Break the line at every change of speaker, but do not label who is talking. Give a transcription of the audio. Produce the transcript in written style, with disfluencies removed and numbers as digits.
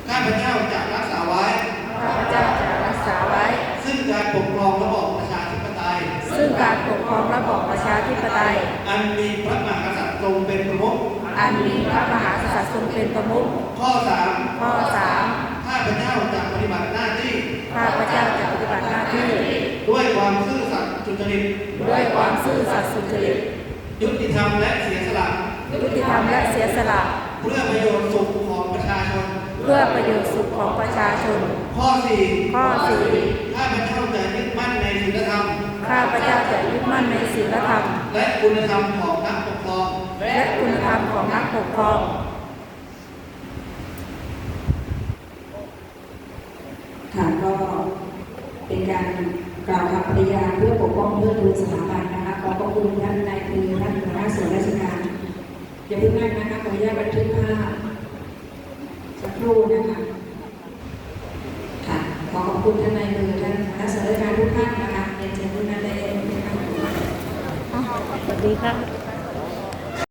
ข้าพเจ้าจะรักษาไว้
ข้าพเจ้าจะรักษาไว้
ซึ่งการปกครองระบอบประชาธิปไตย
ซึ่งการปกครองระบอบประชาธิปไตย
อันมีพระมหากษัตริย์ทรงเป็นประมุข
อันมีพระมหากษัตริย์ทรงเป็นประมุข
ข้อ3ข้าพเจ้าจะปฏิบัติหน้าที่
ข้าพเจ้าจะปฏิบัติหน้าที่
ด้วยความซื่อสัตย์สุจริต
ด้วยความซื่อสัตย์สุจริต
ยุติธรรมและเสียสละ
ยุติธรรมและเสียสละ
เพื่อประโยชน์สุขของประชาชน
เพื่อประโยชน์สุขของประชาชน
ข้อ4ข้าพเจ้าจะยึดมั่นในศีลธรรม
ข้าพเจ้าจะยึดมั่นในศีลธรรม
และคุณธรรมของนักปกครอง
และคุณธรรมของนักปกครอง
ค่ะก็เป็นการกล่าวคำปฏิญาณเพื่อปกป้องเพื่อดูสถาบันนะคะขอบคุณท่านนายคือท่านหัวหน้าส่วนราชการอย่าเพิ่งนั่งนะคะขออนุญาตบันทึกภาพสักครู่นะคะค่ะขอขอบคุณท่านนายคือท่านหัวหน้าส่วนราชการทุกท่านนะคะเรียนเชิญทุกท่านได้เลยนะคะ
สวัสดีค่ะ